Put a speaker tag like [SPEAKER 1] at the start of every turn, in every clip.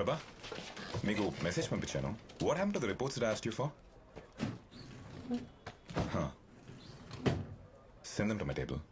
[SPEAKER 1] ప్రభా మీకు మెసేజ్ పంపించాను. What happened to the reports that I asked you for? Send them to my table.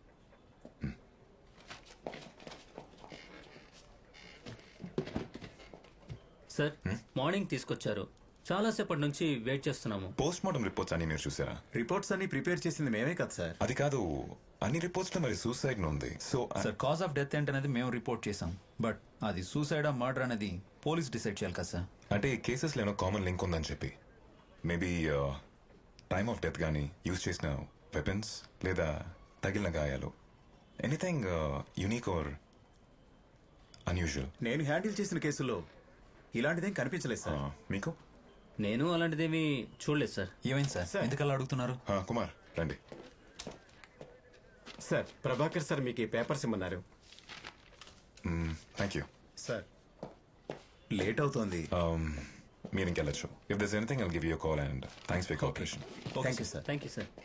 [SPEAKER 2] Sir morning తీసుకొచ్చారు. చాలాసేపటి నుంచి వెయిట్ చేస్తున్నాము.
[SPEAKER 1] పోస్ట్ మార్టం రిపోర్ట్స్ అన్ని మీరు చూసారా?
[SPEAKER 3] రిపోర్ట్స్ అన్ని ప్రిపేర్ చేసింది మేమే కదా సార్.
[SPEAKER 1] అది కాదు, అన్ని రిపోర్ట్స్ లో మరి సూసైడ్ ఉంది. So
[SPEAKER 4] sir cause of death ఏంటనేది మేము రిపోర్ట్ చేసాం, బట్ అది సూసైడా మర్డర్ అనేది పోలీస్ డిసైడ్ చేయాలి కదా సార్.
[SPEAKER 1] అంటే ఈ కేసెస్ లో ఏమైనా కామన్ లింక్ ఉందని చెప్పి మేబీ టైమ్ ఆఫ్ డెత్ కానీ యూజ్ చేసిన వెపన్స్ లేదా తగిలిన గాయాలు, ఎనీథింగ్ యూనిక్ ఆర్ అన్యూజువల్.
[SPEAKER 3] నేను హ్యాండిల్ చేసిన కేసులో ఇలాంటిదేం కనిపించలేదు సార్.
[SPEAKER 1] మీకు?
[SPEAKER 2] నేను అలాంటిదేమీ చూడలేదు సార్.
[SPEAKER 4] ఏమైంది సార్, ఎందుకలా అడుగుతున్నారు?
[SPEAKER 1] కుమార్ రండి.
[SPEAKER 5] సార్ ప్రభాకర్ సార్ మీకు ఈ పేపర్స్ ఇమ్మన్నారు.
[SPEAKER 1] Thank you
[SPEAKER 3] sir. లేట్ అవుతోంది.
[SPEAKER 1] మీరు ఇంకెళ్ళచ్చు. If this anything I'll give you call and thanks for cooperation.
[SPEAKER 3] Thank you sir.
[SPEAKER 2] Thank you sir.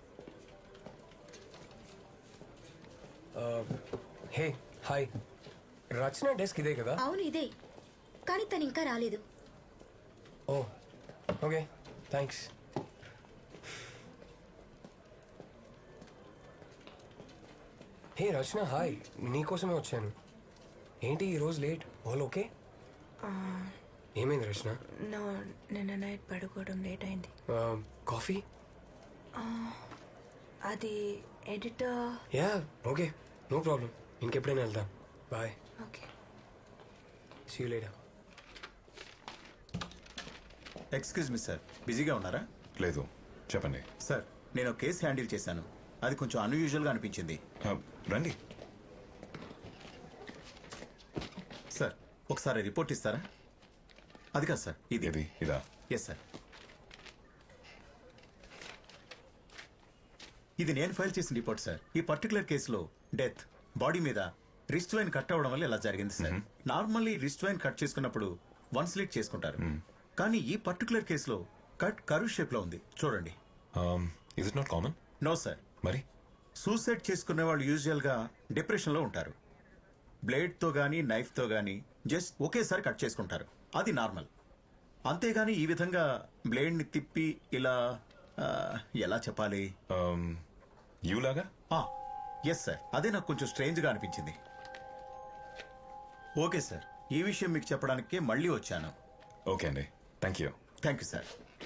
[SPEAKER 6] Hey hi, Rachana desk ఇదే కదా?
[SPEAKER 7] అవును ఇదే, కానీ తను ఇంకా రాలేదు.
[SPEAKER 6] Oh okay thanks. Hey Rachana hi, నీకోసమే వచ్చాను. ఏంటి ఈరోజు లేట్? All okay? ఏమైంది రచన?
[SPEAKER 7] నిన్న నైట్ పడుకోవడం లేట్ అయింది.
[SPEAKER 6] కాఫీ?
[SPEAKER 7] అది editor.
[SPEAKER 6] Yeah okay, no problem. ఇంకెప్పుడైనా వెళ్దాం. Bye.
[SPEAKER 7] Okay.
[SPEAKER 6] See you later.
[SPEAKER 3] Excuse me sir, బిజీగా ఉన్నారా?
[SPEAKER 1] లేదు, చెప్పండి.
[SPEAKER 3] సార్ నేను కేసు హ్యాండిల్ చేశాను. అది కొంచెం అన్యూజువల్గా అనిపించింది.
[SPEAKER 1] రండి.
[SPEAKER 3] సార్ ఒకసారి రిపోర్ట్ ఇస్తారా? అది కాదు సార్, ఇది.
[SPEAKER 1] ఇదా?
[SPEAKER 3] Yes sir. ఇది నేను ఫైల్ చేసిన రిపోర్ట్ సార్. ఈ పర్టికులర్ కేసులో డెత్ బాడీ మీద రిస్ట్ వైన్ కట్ అవ్వడం వల్ల ఇలా జరిగింది sir. Normally wrist vein cut చేసుకున్నప్పుడు వన్ స్లిట్ చేసుకుంటారు, కానీ ఈ పర్టికులర్ కేసులో కట్ కర్వ్ షేప్ లో ఉంది. చూడండి.
[SPEAKER 1] Is it not common?
[SPEAKER 3] No sir.
[SPEAKER 1] మరి
[SPEAKER 3] సూసైడ్ చేసుకునే వాళ్ళు యూజువల్ గా డిప్రెషన్ లో ఉంటారు. బ్లేడ్ తో గానీ నైఫ్ తో గానీ జస్ట్ ఒకేసారి కట్ చేసుకుంటారు, అది నార్మల్. అంతేగాని ఈ విధంగా బ్లేడ్ ని తిప్పి ఇలా ఎలా చెప్పాలి,
[SPEAKER 1] యూలాగా?
[SPEAKER 3] ఎస్ సార్, అదే నాకు కొంచెం స్ట్రేంజ్ గా అనిపించింది. ఓకే సార్, ఈ విషయం మీకు చెప్పడానికే మళ్ళీ వచ్చాను.
[SPEAKER 1] ఓకే అండి, thank you.
[SPEAKER 3] Thank you sir.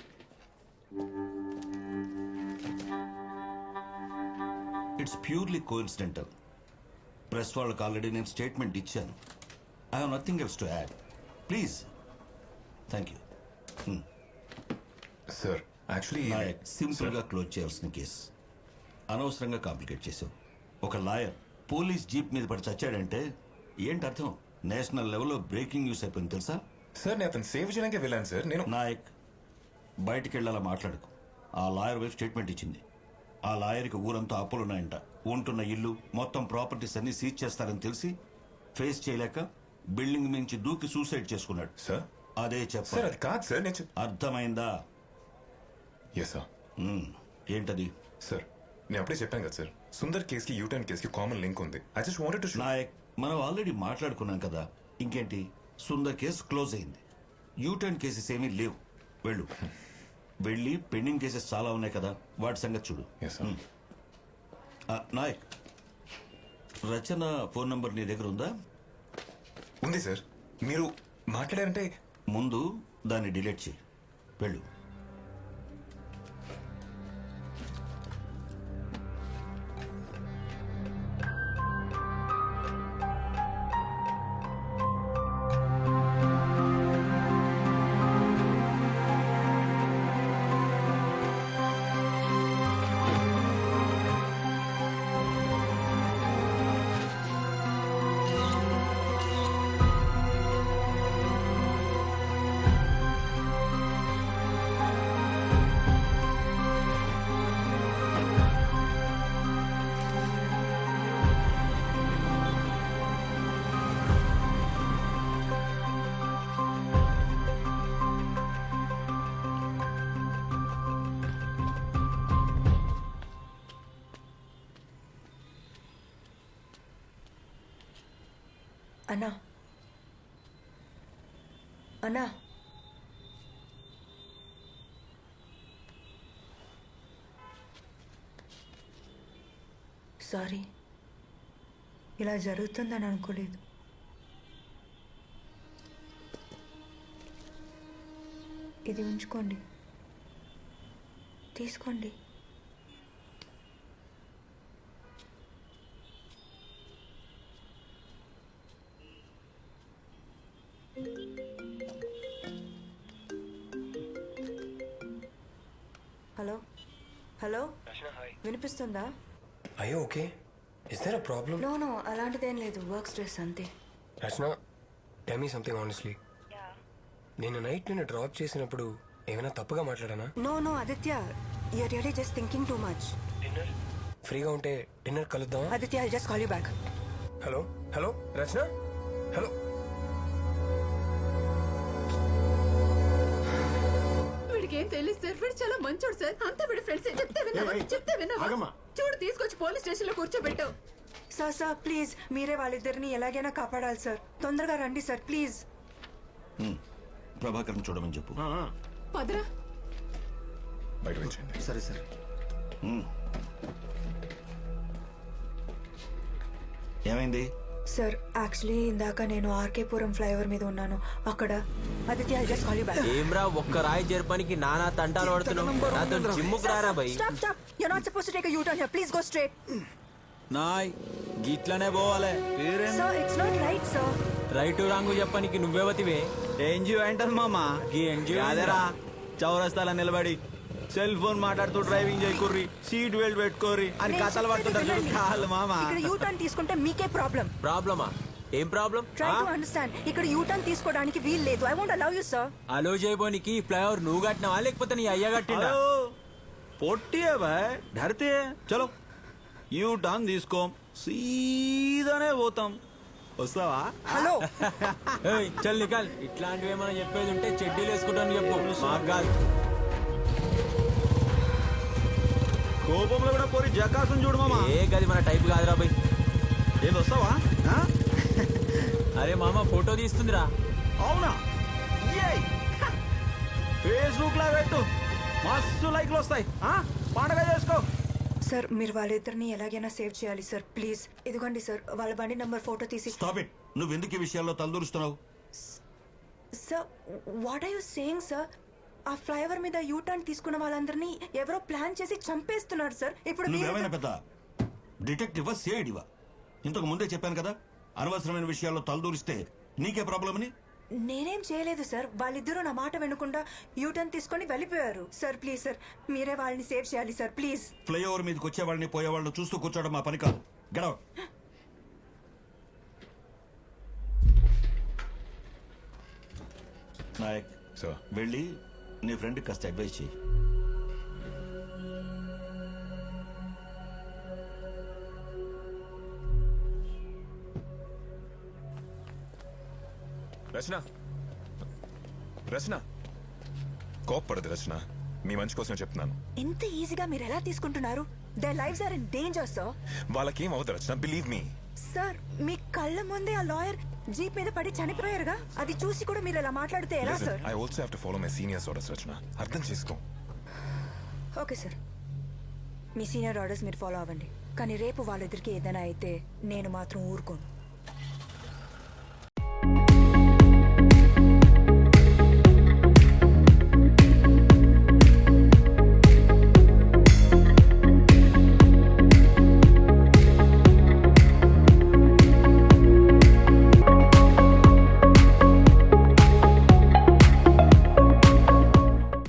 [SPEAKER 8] It's purely coincidental. Press వాళ్ళకి ఆల్రెడీ నేను స్టేట్మెంట్ ఇచ్చాను. I have nothing else to add. Please. Thank you.
[SPEAKER 1] Sir actually
[SPEAKER 8] simple గా క్లోజ్ చేయాల్సిన కేసు అనవసరంగా కాంప్లికేట్ చేసావు. ఒక లాయర్ పోలీస్ జీప్ మీద పడి చచ్చాడంటే ఏంటి అర్థం? నేషనల్ లెవెల్లో బ్రేకింగ్ న్యూస్ అయిపోయింది తెలుసా?
[SPEAKER 1] సార్ నేను అతను సేవ్ చేయడానికి వెళ్ళాను సార్. నేను
[SPEAKER 8] నాయక్ బయటికి వెళ్ళాలా మాట్లాడుకు. ఆ లాయర్ వైపు స్టేట్మెంట్ ఇచ్చింది. ఆ లాయర్కి ఊరంతా అప్పులున్నాయంట. ఉంటున్న ఇల్లు మొత్తం ప్రాపర్టీస్ అన్ని సీజ్ చేస్తారని తెలిసి ఫేస్ చేయలేక బిల్డింగ్ మించి దూకి సూసైడ్ చేసుకున్నాడు.
[SPEAKER 1] సార్
[SPEAKER 8] అదే
[SPEAKER 1] సార్
[SPEAKER 8] చెప్పారు.
[SPEAKER 1] అది కాదు సార్. నేను
[SPEAKER 8] అర్థమైందా?
[SPEAKER 1] Yes sir.
[SPEAKER 8] ఏంటది?
[SPEAKER 1] సార్ నేను అప్పుడే చెప్పాను కదా సార్, సుందర్ కేసుకి యూటర్న్ కేసుకి కామన్ లింక్ ఉంది. I just wanted to
[SPEAKER 8] Nayak, మనం ఆల్రెడీ మాట్లాడుకున్నాం కదా. ఇంకేంటి? సుందర్ కేసు క్లోజ్ అయింది. యూటర్న్ కేసెస్ ఏమీ లేవు. వెళ్ళు. వెళ్ళి పెండింగ్ కేసెస్ చాలా ఉన్నాయి కదా, వాటి సంగతి చూడు.
[SPEAKER 1] Yes sir.
[SPEAKER 8] Nayak, Rachana phone number నీ దగ్గర ఉందా?
[SPEAKER 1] ఉంది సార్. మీరు మాట్లాడారంటే
[SPEAKER 8] ముందు దాన్ని డిలీట్ చేయి. వెళ్ళు.
[SPEAKER 7] అన్నా అన్నా సారీ, ఇలా జరుగుతుందని అనుకోలేదు. ఇది ఉంచుకోండి, తీసుకోండి. హలో హలో, వినిపిస్తుందా?
[SPEAKER 6] అయ్యో okay. Is there a problem?
[SPEAKER 7] No no, అలాంటిదేం లేదు, వర్క్ స్ట్రెస్ అంతే.
[SPEAKER 6] Rachana, tell me something honestly. నేను నైట్ నిన్ను డ్రాప్ చేసినప్పుడు ఏమైనా తప్పుగా మాట్లాడానా?
[SPEAKER 7] No no Aditya, you're really just thinking too much.
[SPEAKER 6] Dinner ఫ్రీగా ఉంటే డిన్నర్ కలుద్దామా?
[SPEAKER 7] Aditya, I just call you back.
[SPEAKER 6] Hello hello Rachana, hello.
[SPEAKER 9] వీడికి ఏం తెలియదు సార్, వీడు చాలా మంచోడు సార్. అంతా వీడి ఫ్రెండ్స్. చెప్తే విన్నావా? చెప్తే విన్నావా?
[SPEAKER 5] ఆగమ్మా.
[SPEAKER 9] చూడు, తీసుకొచ్చి పోలీస్ స్టేషన్ లో కూర్చోబెట్టావు.
[SPEAKER 7] సార్ సార్ ప్లీజ్, మీరే వాళ్ళిద్దరిని ఎలాగైనా కాపాడాలి సార్. తొందరగా రండి సార్ ప్లీజ్.
[SPEAKER 8] ప్రభాకర్ని చూడమని చెప్పు.
[SPEAKER 9] పదరా.
[SPEAKER 1] బయట వచ్చేయండి.
[SPEAKER 3] సరే సరే.
[SPEAKER 8] ఏమైంది?
[SPEAKER 7] సార్ యాక్చువల్లీ ఇందాక నేను ఆర్కేపురం ఫ్లైఓవర్ మీద ఉన్నాను. అక్కడ Aditya, I just call you back.
[SPEAKER 10] ఏమ్రా, ఒక్క రాయి జరపనికి నానా తంటాలు పడుతున్నావు. నాతో జిమ్ముకు రారా bye.
[SPEAKER 7] Stop stop, you are not supposed to take a U turn here. Please go straight.
[SPEAKER 4] నాయ్ గిట్లనే పోవాలి.
[SPEAKER 7] Sir it's not right sir.
[SPEAKER 10] Right wrong చెప్పనికి నువ్వెవతివే?
[SPEAKER 4] ఎన్జిఓ ఏంటది మామ?
[SPEAKER 10] గీ ఎన్జిఓ
[SPEAKER 4] అదేరా, చౌరస్తాల నిలబడి సెల్ ఫోన్ మాట్లాడుతూ డ్రైవింగ్ చేయకుర్రి, సీట్ బెల్ట్ పెట్టుకోర్రి అని
[SPEAKER 7] నేను
[SPEAKER 4] కథలు
[SPEAKER 7] చెప్పేది
[SPEAKER 4] పడుతుంటారు
[SPEAKER 7] వినండి.
[SPEAKER 4] కాదు మామ.
[SPEAKER 7] ఇక్కడ యూ టర్న్ తీసుకుంటే మీకే ప్రాబ్లం.
[SPEAKER 10] ప్రాబ్లమా? ఏం ప్రాబ్లం?
[SPEAKER 7] Try to understand. ఇక్కడ యూ టర్న్ తీసుకోవడానికి వీలు లేదు. I won't allow you sir.
[SPEAKER 10] Allow చేయబోనికి ఫ్లైఓవర్ నువ్వు కట్టినావా లేకపోతే నీ అయ్య కట్టినా?
[SPEAKER 4] హలో పొట్టియే బాయ్, ధరితే చలో యూ టర్న్ తీసుకోం, సీదానే పోతాం. వస్తావా?
[SPEAKER 7] హలో
[SPEAKER 10] ఏయ్, చల్ నికాల్. ఇట్లాంటివి ఏమైనా చెప్పేది ఉంటే చెడ్డీలు వేసుకుంటాను చెప్పు, మాకు కాదు.
[SPEAKER 4] కోపంలో కూడా పోరి జకాసం చూడు మామ.
[SPEAKER 10] ఏ గది మన టైప్ కాదురా బై.
[SPEAKER 4] ఏది వస్తావా? ఆ?
[SPEAKER 10] అరే మామ, ఫోటో తీస్తుందిరా.
[SPEAKER 4] అవునా? ఫేస్బుక్ లో పెట్టు, మస్తు లైక్లు వస్తాయి. పండగ చేసుకో.
[SPEAKER 7] సార్, మీరు వాళ్ళిద్దరిని ఎలాగైనా సేవ్ చేయాలి సార్ ప్లీజ్. ఇదిగోండి సార్, వాళ్ళ బండి నంబర్ ఫోటో తీసి.
[SPEAKER 8] Stop it. నువ్వెందుకు ఈ విషయాల్లో తలదూరుస్తున్నావు?
[SPEAKER 7] Sir, what are you saying sir? ఆ ఫ్లైఓవర్ మీద యూ టర్న్ తీసుకున్న వాళ్ళందరినీ ఎవరో ప్లాన్ చేసి చంపేస్తున్నారు సార్. ఇప్పుడు
[SPEAKER 8] నువ్వేమైనా పెద్ద డిటెక్టివా, సిఐడివా? ఇంతకు ముందే చెప్పాను కదా, అనవసరమైన విషయాల్లో తలదూరిస్తే నీకే ప్రాబ్లం అని.
[SPEAKER 7] నేనేం చేయలేదు సార్. వాళ్ళిద్దరూ నా మాట వినకుండా యూ టర్న్ తీసుకొని వెళ్ళిపోయారు సార్. ప్లీజ్ సార్, మీరే వాళ్ళని సేవ్ చేయాలి సార్ ప్లీజ్.
[SPEAKER 8] ఫ్లైఓవర్ మీదకి వచ్చేవాళ్ళని పోయేవాళ్ళని చూస్తూ కూర్చోవడం మా పని కాదు. గడవ. నాయక్
[SPEAKER 1] సార్,
[SPEAKER 8] వెళ్ళి నీ ఫ్రెండ్ కాస్త అడ్వైస్ చేయి.
[SPEAKER 1] రచన, రచన, కోప్పడదు రచన. మీ మంచి కోసం చెప్తున్నాను.
[SPEAKER 7] ఎంత ఈజీగా మీరు ఎలా తీసుకుంటున్నారు? Their lives are in danger sir.
[SPEAKER 1] వాళ్ళకేం అవ్వదు రచన, బిలీవ్ మీ.
[SPEAKER 7] సార్, మీ కళ్ళ ముందే ఆ లాయర్ జీప్ మీద పడి చనిపోయారుగా. అది చూసి కూడా మీరు ఇలా మాట్లాడితే ఎలా sir?
[SPEAKER 1] I also have to follow my seniors orders Rachana, అర్థం చేసుకో.
[SPEAKER 7] ఓకే సార్, మీ సీనియర్ ఆర్డర్స్ మీరు ఫాలో అవ్వండి. కానీ రేపు వాళ్ళిద్దరికి ఏదైనా అయితే నేను మాత్రం ఊరుకోను.